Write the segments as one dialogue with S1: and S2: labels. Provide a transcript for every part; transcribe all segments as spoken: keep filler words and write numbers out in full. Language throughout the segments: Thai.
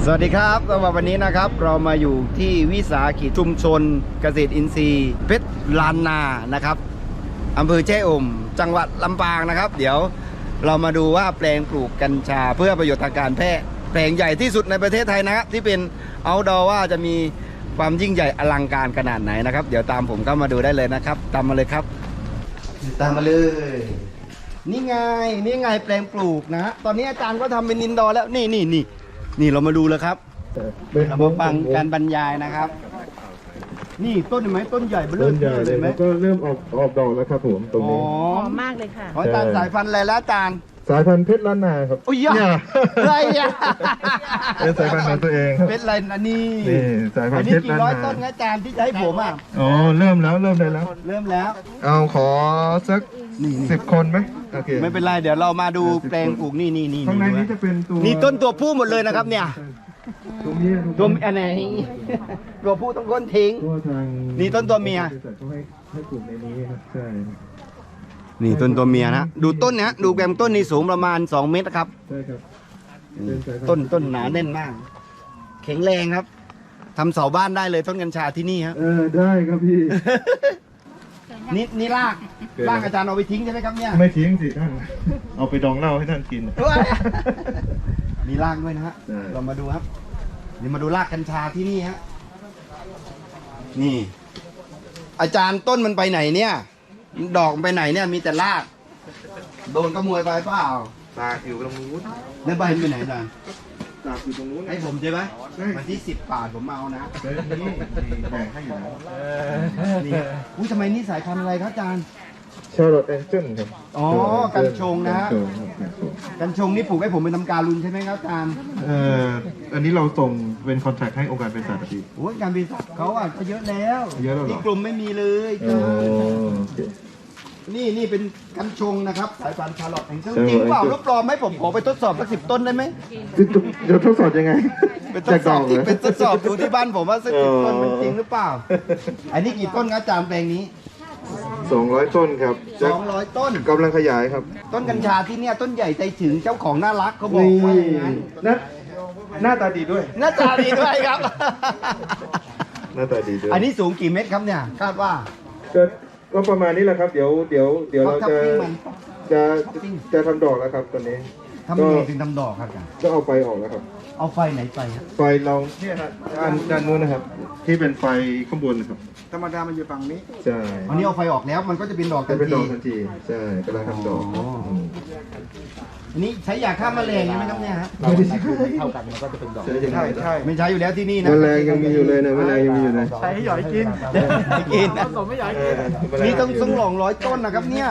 S1: สวัสดีครับสำหรับวันนี้นะครับเรามาอยู่ที่วิสาหกิจชุมชนเกษตรอินทรีย์เพชรลานนานะครับอำเภอแจ้ห่มจังหวัดลำปางนะครับเดี๋ยวเรามาดูว่าแปลงปลูกกัญชาเพื่อประโยชน์ทางการแพทย์แปลงใหญ่ที่สุดในประเทศไทยนะครับที่เป็นเอาท์ดอร์ว่าจะมีความยิ่งใหญ่อลังการขนาดไหนนะครับเดี๋ยวตามผมเข้ามาดูได้เลยนะครับตามมาเลยครับตามมาเลยนี่ไงนี่ไงแปลงปลูกนะฮะตอนนี้อาจารย์ก็ทำเป็นอินดอร์แล้วนี่นี่นี่นี่เรามาดูเลยครับเรามาฟังการบรรยายนะครับนี่ต้นเห็นไหมต้นใหญ่เบลอเลยไหม
S2: ก็เริ่มออกออกดอกแล้วครับผมตรงนี้
S3: หอมมากเลยค่ะ
S1: ขออาจารย์สายพันธุ์อะไรแล้วอาจารย์
S2: สายพันธุ์เพชรล้านนาครับ
S1: โอ้ยอะไรอ่ะ
S2: เป็นสายพันธุ์ของตัวเองครับ
S1: เป็นอะไรอันนี้
S2: นี่สายพัน
S1: อัน
S2: ธุ์
S1: นี้
S2: เพชร
S1: กี่
S2: ล้าน
S1: ร้อย
S2: นา
S1: ต้นนะอาจารย์ที่จะให้ผมอ่ะ
S2: อ๋อเริ่มแล้วเริ่มได้แล้ว
S1: เริ่มแล้ว
S2: เอาขอสักสิบคนไหมโอเค
S1: ไม่เป็นไรเดี๋ยวเรามาดูแปลงปลูกนี่นี่นี่
S2: ข้างในนี้จะเป็นตัว
S1: นี่ต้นตัวผู้หมดเลยนะครับเนี่ย
S2: ตัวเมีย
S1: ตัวอันไหนตัวผู้ต้องก้นทิ้ง
S2: ตัวทาง
S1: นี่ต้นตัวเมีย
S2: เขาให้ให้ปลูกในนี้ครับใช่
S1: นี่ต้นตัวเมียนะดูต้นเนี้ยดูแกมต้นนี่สูงประมาณสองเมตรนะครับ
S2: ใช่ครับเป็นสายพันธุ์
S1: ต้นต้นหนาแน่นมาก แข็งแรงครับทำเสาบ้านได้เลยต้นกัญชาที่นี่ครับ
S2: เออได้ครับพี่
S1: นี่นี่รากรากอาจารย์เอาไปทิ้งใช่ไหมครับเนี่ย
S2: ไม่ทิ้งสิท่านเอาไปดองเหล้าให้ท่านกิน
S1: มีรากด้วยนะฮะ
S2: ใช่
S1: เรามาดูครับนี่มาดูรากกัญชาที่นี่ฮะนี่ อาจารย์ต้นมันไปไหนเนี่ยดอกมันไปไหนเนี่ยมีแต่รากโดนขโมยไปเปล่า
S2: ตากอยู่ตรงนู้น
S1: แล้วใบมันไปไหนอาจารย์
S2: ตากอยู่ตรงนู้น
S1: ให้ผมใช่ไหม
S2: ใช่
S1: วันที่สิบบาทผมเอานะ
S2: เฮ้ยนี่แบ่งให้อยู่แล้ว
S1: นี่อุ้ยทำไมนี่สายพันธุ์อะไรครับอาจารย์
S2: ชาร์ลอตแองเจิลครับ
S1: อ๋อกัญชงนะฮะ
S2: กัญชงครับกัญชง
S1: กัญชงนี่ปลูกให้ผมเป็นทำการลุนใช่ไหมครับอาจารย์
S2: เอ่ออันนี้เราส่งเป็นคอนแทคให้องค์การเป็นสาธารณสุข
S1: โอ้ยการบริษัทเขาอ่ะก็เยอะแล้ว
S2: เยอะแล้วเหรอ
S1: ที่กลุ่มไม่มีเลย
S2: โอ้โอเค
S1: นี่นี่เป็นกัญชงนะครับสายพันธุ์ชาร์ลอตแองเจิล
S2: Charlotte
S1: จริงเปล่า
S2: Angel
S1: รูปปลอมไหมผมขอไปทดสอบสักสิบต้นได้ไหม
S2: เดี๋ยวทดสอบยังไง
S1: เป็นทดสอบ
S2: จากดอกเหร
S1: ที่
S2: อ
S1: เป็นทดสอบดูที่บ้านผมว่าสักสิบต้น
S2: อ๋อ
S1: มันจริงหรือเปล่า อันนี้กี่ต้นครับอาจารย์แปลงนี้
S2: สองร้อยต้นครับ
S1: สองร้อยต้น
S2: กำลังขยายครับ
S1: ต้นกัญชาที่เนี่ยต้นใหญ่ใจถึงเจ้าของน่ารักเขาบอกว่าอย่างนั้น
S2: หน้าหน้าตาดีด้วย
S1: หน้าตาดีด้วยครับ
S2: หน้าตาดีด้วย
S1: อันนี้สูงกี่เมตรครับเนี่ยคาดว่า
S2: ก็ก็ประมาณนี้แหละครับ เดี๋ยวเดี๋ยวเดี๋ยวเรา
S1: ท็อป
S2: จะ
S1: ปิ้งมัน
S2: จะ
S1: ท็อปปิ้ง
S2: จะทำดอกแล้วครับตอนนี้
S1: ทำยังไงถึงทำดอกครับอาจารย์
S2: ก็เอาไฟออกแล้วครับ
S1: เอาไฟไหนไปครับ
S2: ไฟเราเนี่ยครับด้านด้านนู้นนะครับ ที่เป็นไฟข้างบนนะครับ
S1: ธรรมดามันอยู่ฝั่งนี้
S2: ใช่
S1: อันนี้เอาไฟออกแล้วมันก็จะเป็นดอกทั
S2: จะ
S1: น
S2: เป็นด
S1: ที
S2: อกทันทีใช่กำลังทำดอก
S1: อ๋ออื
S2: ม
S1: อันนี้ใช้ยาฆ่าแมลงใช่ไหมครับเนี่ยฮะ
S2: ไม่ได้ใช้
S1: เท่ากันมันก็จะเป็นดอก
S2: ใช่ใช่ใช่
S1: ไม่ใช้อยู่แล้วที่นี่นะ
S2: แมลงยังมีอยู่เลยนะแมลงยังมีอยู่เลย
S3: ใช้ให้หยอยกิน
S1: ไม่กินนะ
S3: ผมไม่หยอย
S2: เอ
S3: กิน
S2: อแมล
S1: นี่ต้องต้องหลองร้อยต้นนะครับเนี่ย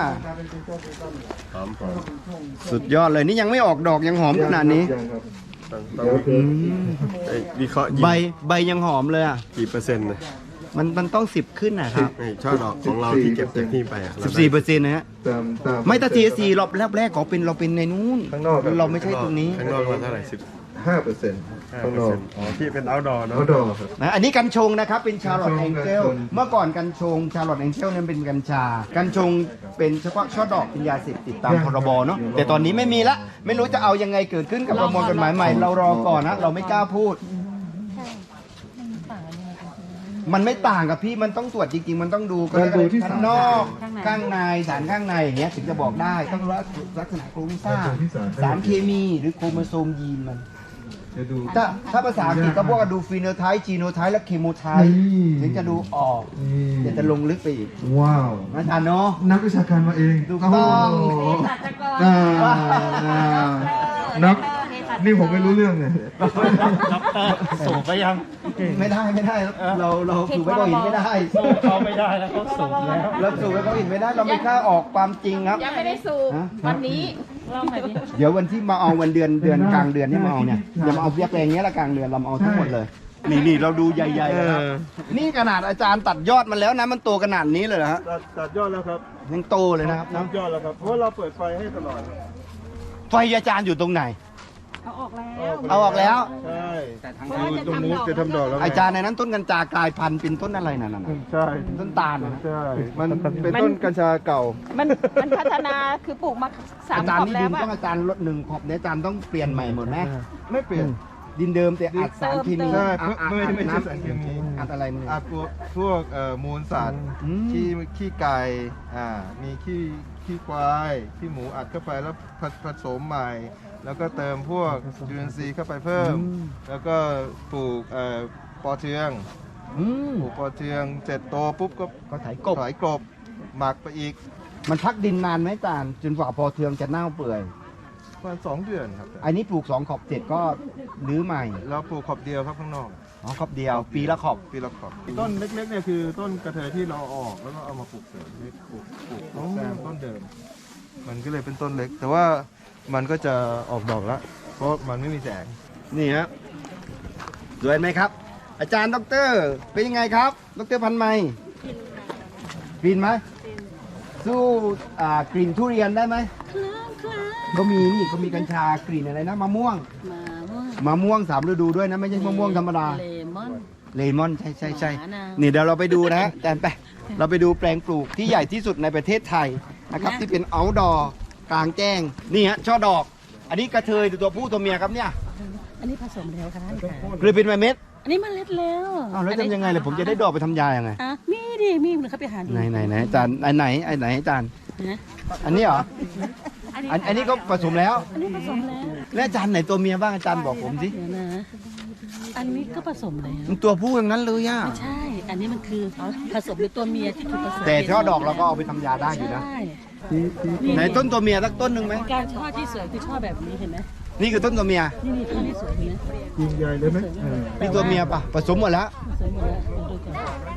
S1: สุดยอดเลยนี่ยังไม่ออกดอกยังหอมขนาดนี้
S2: ยังครับเดี๋ยวคือ
S4: ไอ้วิเคราะห์ยิง
S1: ใบใบยังหอมเลยอ่ะ
S4: กี่เปอร์เซ็นต์นะ
S1: มันมันต้องสิบขึ้นนะครับ
S4: ไอ้ช่อดอกของเราที่เก็บจากนี่ไปอะ
S1: สิบสี่เปอร์เซ็นต์นะฮะ
S2: ตามตาม
S1: ไม่ถ้าทีสี่รอบแรกแรกๆขอเป็นเราเป็นในนู้น
S2: ข้างนอกครับ
S1: เราไม่ใช่ตรงนี้
S4: ข้างนอกมันเท่าไหร่สิบ
S2: ห้าเปอร์เซ็นต์
S4: ห้า
S2: ข้าง
S4: เปอน ร์
S2: อก
S4: เซ็นต์อ๋อที่เป็นเอาท์ดอร์เนาะ
S2: เขาดอกครับ
S1: นะอันนี้กัญชงนะครับเป็นชาร์ลอต
S2: กั
S1: แอ
S2: ญ
S1: ง
S2: ชง
S1: เจล
S2: กัญชง
S1: เมื่อก่อนกัญชงชาร์ลอตแองเจลเนี่ยเป็นกัญชา กัญชงเป็นเฉพาะช่อดอกเป็นยาเสพติดตามพรบเนาะแต่ตอนนี้ไม่มีละไม่รู้จะเอายังไงเกิดขึ้นกับประมวลกฎหมายใหม่เรารอก่อนนะเราไม่กล้าพูด มันไม่ต่างกับพี่มันต้องตรวจจริงๆ มันต้องดู
S2: มันดูที่
S1: ข้างนอกข้างในสารข้างในอย่างเงี้ยถึงจะบอกได้ต้องรู้ลักษณะโครงสร้างสารเคมีหรือโครโมโซมยีนมัน
S2: จะดู
S1: ถ้าถ้าภาษาอังกฤษก็พวกกันดูฟีโนไทป์จีโนไทป์และเคโมไทป์
S2: นี่
S1: ถึงจะดูออก
S2: นี่
S1: เดี๋ยวจะลงลึกไปอีก
S2: ว้าว
S1: อาจารย์เนาะ
S2: นักวิชาการมาเอง
S1: ถูกต้อง
S2: โโหอ่าอ่านักนี่ผมไม่รู้เรื่องเลย
S3: สูบไปยัง
S1: ไม่ได้ไม่ได้เราเราสูบไว้เขาเห็นไม่ได้
S3: สู้เขาไม่ได้แล้วเขาสูบแล้ว
S1: เราสูบไว้เขาเห็นไม่ได้เราไม่กล้าออกความจริงครับ
S5: ยังไม่ได้สูบ
S1: ฮะ
S5: วันนี้ลองหน่อยดิ
S1: เดี๋ยววันที่มาเอาวันเดือนเดือนกลางเดือนนี่มาเอาเนี่ยอย่ามาเอาเพียบแปลงเงี้ยละกลางเดือนเรามาเอาทั้งหมดเลย นี่นี่เราดูใหญ่ๆนะครับนี่ขนาดอาจารย์ตัดยอดมันแล้วนะมันโตขนาดนี้เลยเหรอฮะ
S2: ตัดตัดยอดแล้วครับ
S1: ยังโตเลยนะครับ
S2: ตั
S1: นะ
S2: ดยอดแล้วครับ เพราะว่าเราเปิดไฟให้ตลอด
S1: ไฟอาจารย์อยู่ตรงไหน
S5: เอาออกแล้ว
S1: เอาออกแล้ว
S2: ใช่
S5: เพราะว่าจะ
S2: ตรง
S5: ทำ
S2: นู้น
S5: ดอก
S2: จะทำดอกแล้ว
S1: อาจารย์ในนั้นต้นกัญชากลายพันธุ์เป็นต้นอะไรนั่นน่ะ
S2: ใช่
S1: ต้นตาลนะ
S2: ใช่มันเป็นต้นกัญชาเก่า
S5: มันมันพัฒนาคือปลูกมาสาม
S1: อา
S5: ข
S1: จารย์
S5: อบ
S1: นี่
S5: แล้
S1: ดิ
S5: วน
S1: ต้อง
S5: อะ
S1: อาจารย์ลดหนึ่งขอบเนี่ยอาจารย์ต้องเปลี่ยนใหม่หมดไหม
S2: ไม่เปลี่ยน
S1: ดินเดิมแต่อัดสารเคมี
S2: ใช่
S1: อัดอัด
S2: ไม่ไม่ไม่ใช่
S1: น้ำ
S2: สารเคมี
S1: อัดอะไรมึง
S2: อาพวกพวกเอ่อมูลสัตว์
S1: อืม
S2: ขี้ขี้ไก่อ่ามีขี้ขี้ควายขี้หมูอัดเข้าไปแล้วผผสมใหม่ แล้วก็เติมพวกจุลินทรีย์เข้าไปเพิ่ม แล้วก็ปลูกเอ่อปอเทือง
S1: อืม
S2: ปลูกปอเทืองเสร็จโตปุ๊บก็
S1: ก็ไถกบ
S2: ถอยกลบหมักไปอีก
S1: มันพักดินนานไหมจานจนกว่าพอเทืองจะเน่าเปื่อย
S2: ประมาณสองเดือนครับ
S1: อันนี้ปลูกสองขอบเสร็จก็รื้อใหม่
S2: แล้วปลูกขอบเดียวครับข้างนอก
S1: อ๋อขอบเดียว ปีละขอบ
S2: ปีละขอบต้นเล็กๆเนี่ยคือต้นกระเทยที่เราเอาออกแล้วก็เอามาปลูกเสริมให้ปลูกปลูกต้นแซมต้นเดิม มันก็เลยเป็นต้นเล็ก แต่ว่ามันก็จะออกดอกแล้ว เพราะมันไม่มีแสง
S1: นี่ฮะสวยไหมครับ อาจารย์ด็อกเตอร์เป็นยังไงครับดรพันธุ์ไหมกลิ่นไหมสู้อ่ากลิ่นทุเรียนได้ไหมเขามีนี่เขามีกัญชากลิ่นอะไรนะมะม่วง
S5: มาว่าม
S1: ะม่วงสามฤดูด้วยนะไม่ใช่มะม่วงธรรมดา
S5: เลมอน
S1: เลมอนใช่ใช่ใช่
S5: หวานอะ
S1: นี่เดี๋ยวเราไปดูนะฮะอาจารย์ไปเราไปดูแปลงปลูกที่ใหญ่ที่สุดในประเทศไทยนะครับที่เป็นเอาท์ดอร์กลางแจ้งนี่ฮะช่อดอก อันนี้กระเทยตัวผู้ตัวเมียครับเนี่ย
S5: อันนี้ผสมแล้วค่ะท่านค่ะ
S1: หรือเป็นเม็ด
S5: อันนี้เมันเล็ดแล้ว
S1: อ้าวแล้วทำยังไงเลยผมจะได้ดอกไปทำยายังไง
S5: อ่ะมีดิมีมันเขาไปหาดู
S1: ไหนไหนไหนอาจารย์อันไหนไอ้ไหนอาจารย์
S5: นะ
S1: อันนี้เหรออันอันนี้ก็ผสมแล้ว
S5: อันนี้ผสมแล้ว
S1: แล้วอาจารย์ไหนตัวเมียบ้างอาจารย์บอกผมสิ
S5: เดี๋ยวนะ อันนี้ก็ผสมแล้ว
S1: มันตัวผู้อย่างนั้นเลยอ่ะ
S5: ไม่ใช่ อันนี้มันคือผสมด้วยตัวเมียที่ถูกผสม
S1: แต่ช่อดอกเราก็เอาไปทำยาได้อยู่นะ
S5: ใช่
S1: ไหนต้นตัวเมียสักต้นหนึ่งไหม
S5: การช่อที่สวยคือช่อแบบนี้เห็นไหม
S1: นี่คือต้นตัวเมีย
S5: นี่นี่ช่อที่สวยเห็นไหม
S2: ยิงใหญ่เลยไหม
S1: มีตัวเมียปะผสมหมดแล้ว
S5: สวยหมดแล้วเดี๋ยวดูก่อน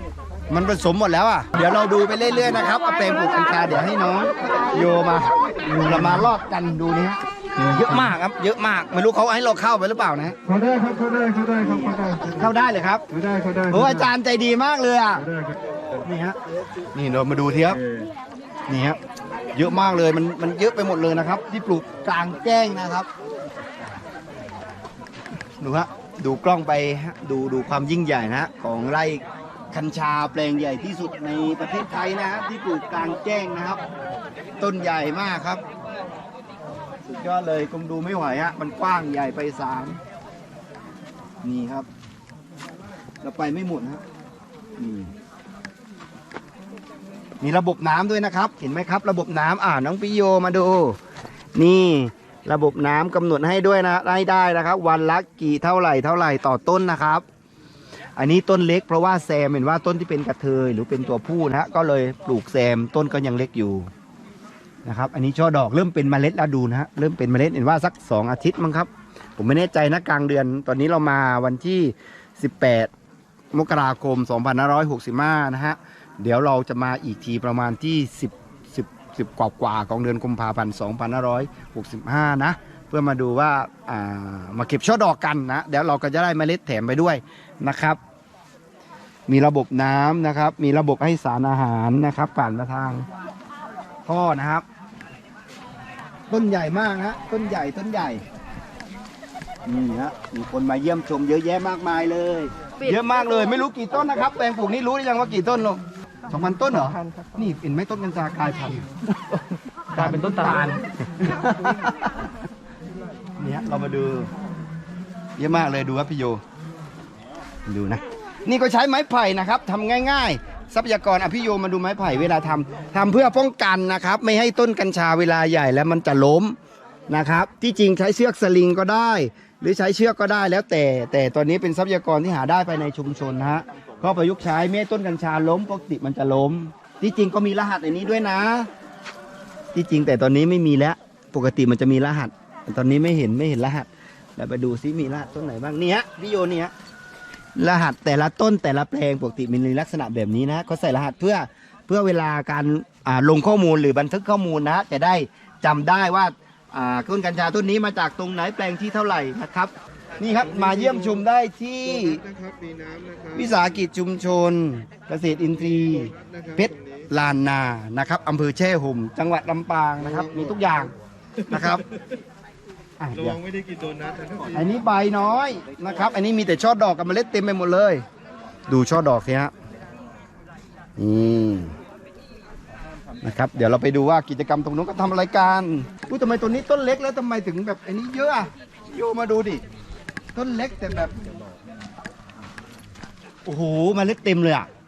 S1: มันผสมหมดแล้วอ่ะ เดี๋ยวเราดูไปเรื่อยๆนะครับเอาแปลงปลูกกัญชาเดี๋ยวให้น้องโยมาเรามาลอดกันดูนี่ฮะเยอะมากครับ เยอะมาก ไม่รู้เขาให้เราเข้าไปหรือเปล่านะ
S2: เขาได้ครับเขาได้เขาได้ครับเขาได้
S1: เข้าได้เลยครับ
S2: เขาได้เขาได้
S1: โอ้อาจารย์ใจดีมากเลยอ่ะ
S2: เขาได้ครับ
S1: นี่ฮะ นี่เรามาดูทีครับ
S2: เออ
S1: นี่ฮะ เยอะมากเลย มันมันเยอะไปหมดเลยนะครับ ที่ปลูกกลางแจ้งนะครับ ดูฮะ ดูกล้องไปฮะ ดูดูความยิ่งใหญ่นะฮะของไร่กัญชาแปลงใหญ่ที่สุดในประเทศไทยนะฮะที่ปลูกกลางแจ้งนะครับ ต้นใหญ่มากครับ สุดยอดเลยคงดูไม่ไหวฮะ มันกว้างใหญ่ไปสามนี่ครับ เราไปไม่หมดนะฮะนี่มีระบบน้ำด้วยนะครับ เห็นไหมครับ ระบบน้ำอ่าน้องปิโยมาดู นี่ระบบน้ำกำหนดให้ด้วยนะได้ได้นะครับ วันละกี่เท่าไหร่เท่าไหร่ต่อต้นนะครับ อันนี้ต้นเล็กเพราะว่าแซมเห็นว่าต้นที่เป็นกระเทยหรือเป็นตัวผู้นะฮะก็เลยปลูกแซมต้นก็ยังเล็กอยู่นะครับ อันนี้ช่อดอกเริ่มเป็นเมล็ดแล้วดูนะฮะเริ่มเป็นเมล็ดเห็นว่าสักสองอาทิตย์มั้งครับ ผมไม่แน่ใจนะกลางเดือน ตอนนี้เรามาวันที่สิบแปดมกราคมสองพันห้าร้อยหกสิบห้านะฮะเดี๋ยวเราจะมาอีกทีประมาณที่สิบ สิบ สิบกว่ากว่าของเดือนกุมภาพันธ์สองพันห้าร้อยหกสิบห้านะเพื่อมาดูว่าอ่ามาเก็บช่อดอกกันนะเดี๋ยวเราก็จะได้เมล็ดแถมไปด้วยนะครับ มีระบบน้ำนะครับ มีระบบให้สารอาหารนะครับผ่านมาทางท่อนะครับ ต้นใหญ่มากฮะต้นใหญ่ต้นใหญ่นี่ฮะมีคนมาเยี่ยมชมเยอะแยะมากมายเลย เยอะมากเลยไม่รู้กี่ต้นนะครับแปลงปลูกนี่รู้หรือยังว่ากี่ต้นลงสองพันต้นเหรอนี่เห็นไหมต้นกัญชากลายพันธุ์กลายเป็นต้นตาลเนี่ยเรามาดู เยอะมากเลยดูครับพี่โยดูนะ นี่ก็ใช้ไม้ไผ่นะครับทำง่ายๆ ทรัพยากรอภิโยมาดูไม้ไผ่เวลาทำทำเพื่อป้องกันนะครับ ไม่ให้ต้นกัญชาเวลาใหญ่แล้วมันจะล้มนะครับ ที่จริงใช้เชือกสลิงก็ได้ หรือใช้เชือกก็ได้แล้วแต่ แต่ตอนนี้เป็นทรัพยากรที่หาได้ภายในชุมชนนะฮะก็ประยุกต์ใช้ไม่ให้ต้นกัญชาล้มปกติมันจะล้ม ที่จริงก็มีรหัสในนี้ด้วยนะ ที่จริงแต่ตอนนี้ไม่มีแล้วปกติมันจะมีรหัสแต่ตอนนี้ไม่เห็นไม่เห็นรหัสแล้วไปดูซิมีรหัสต้นไหนบ้างนี่ฮะพี่โยนี่ฮะรหัสแต่ละต้นแต่ละแปลงปกติมีลักษณะแบบนี้นะเขาใส่รหัสเพื่อเพื่อเวลาการอ่าลงข้อมูลหรือบันทึกข้อมูลนะจะได้จำได้ว่าอ่าต้นกัญชาต้นนี้มาจากตรงไหนแปลงที่เท่าไหร่นะครับ นี่ครับมาเยี่ยมชมได้ที่
S2: นะครับมีน้ำนะครับ
S1: วิสาหกิจชุมชน เกษตรอินทรีย์เพชรลานนานะครับอำเภอแช่ห่มจังหวัดลำปางนะครับ มีทุกอย่างนะครับอ่ะ
S2: ระ
S1: เดี๋ย
S2: วั
S1: ว
S2: งไม่ได้กินโดนัทนะครับ
S1: อันนี้ใบน้อยนะครับ อันนี้มีแต่ช่อดอกกับเมล็ดเต็มไปหมดเลย ดูช่อดอกสิฮะนี่นะครับ เดี๋ยวเราไปดูว่ากิจกรรมตรงนู้นก็ทำอะไรกันอุ้ยทำไมตัวนี้ต้นเล็กแล้วทำไมถึงแบบอันนี้เยอะอะโยมาดูดิต้นเล็กแต่แบบ โอ้โหเมันเล็กเต็มเลยอ่ะ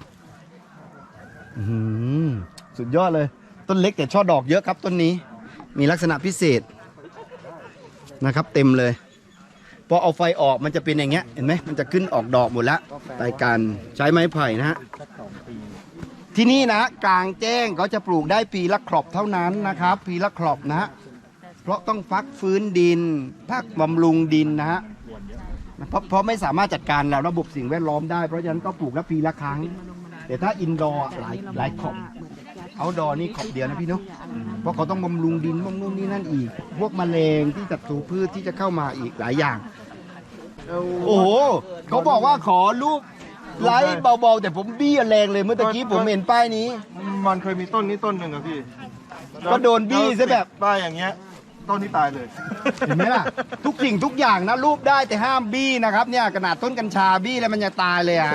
S1: อื้อหือสุดยอดเลย ต้นเล็กแต่ช่อดอกเยอะครับต้นนี้ มีลักษณะพิเศษนะครับ เต็มเลยพอเอาไฟออกมันจะเป็นอย่างเงี้ยเห็นไหมมันจะขึ้นออกดอกหมดแล้วรายการใช้ไม้ไผ่นะฮะที่นี่นะกลางแจ้งเขาจะปลูกได้ปีละครอบเท่านั้นนะครับ ปีละครอบนะฮะเพราะต้องฟักฟื้นดินพักบำรุงดินนะฮะเพราะเพราะไม่สามารถจัดการแล้วระบบสิ่งแวดล้อมได้เพราะฉะนั้นก็ปลูกละปีละครั้ง แต่ถ้าอินดอร์หลายหลายขอบเอาดอนี่ขอบเดียวนะพี่เนาะเพราะเขาต้องบำรุงดินบำรุงนี่นั่นอีก พวกแมลงที่ศัตรูพืชที่จะเข้ามาอีกหลายอย่าง โอ้โหเขาบอกว่าขอรูปไลค์เบาๆ แต่ผมบี้แรงเลยเมื่อตะกี้ผมเห็นป้ายนี้
S2: มันเคยมีต้นนี้ต้นหนึ่งอะพี่
S1: ก็โดนบี้ซะแบบ
S2: ป้ายอย่างเงี้ยต้นนี้ตายเลย
S1: เห็นไหมล่ะ ทุกสิ่งทุกอย่างนะรูปได้แต่ห้ามบี้นะครับเนี่ยขนาดต้นกัญชาบี้แล้วมันจะตายเลยอ่ะ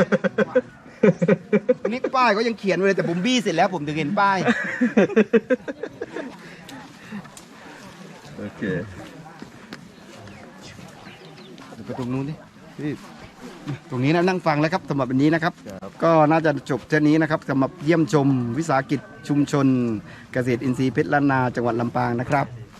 S1: นี่ป้ายก็ยังเขียนไว้เลยแต่ผมบี้เสร็จแล้วผมถึงเห็นป้าย
S4: โอเค
S1: เดี๋ยวไปตรงนู้นดิพี่ตรงนี้นะนั่งฟังแล้วครับสำหรับวันนี้นะครับ ก็น่าจะจบเท่านี้นะครับสำหรับเยี่ยมชมวิสาหกิจชุมชนเกษตรอินทรีย์เพชรล้านนาจังหวัดลำปางนะครับ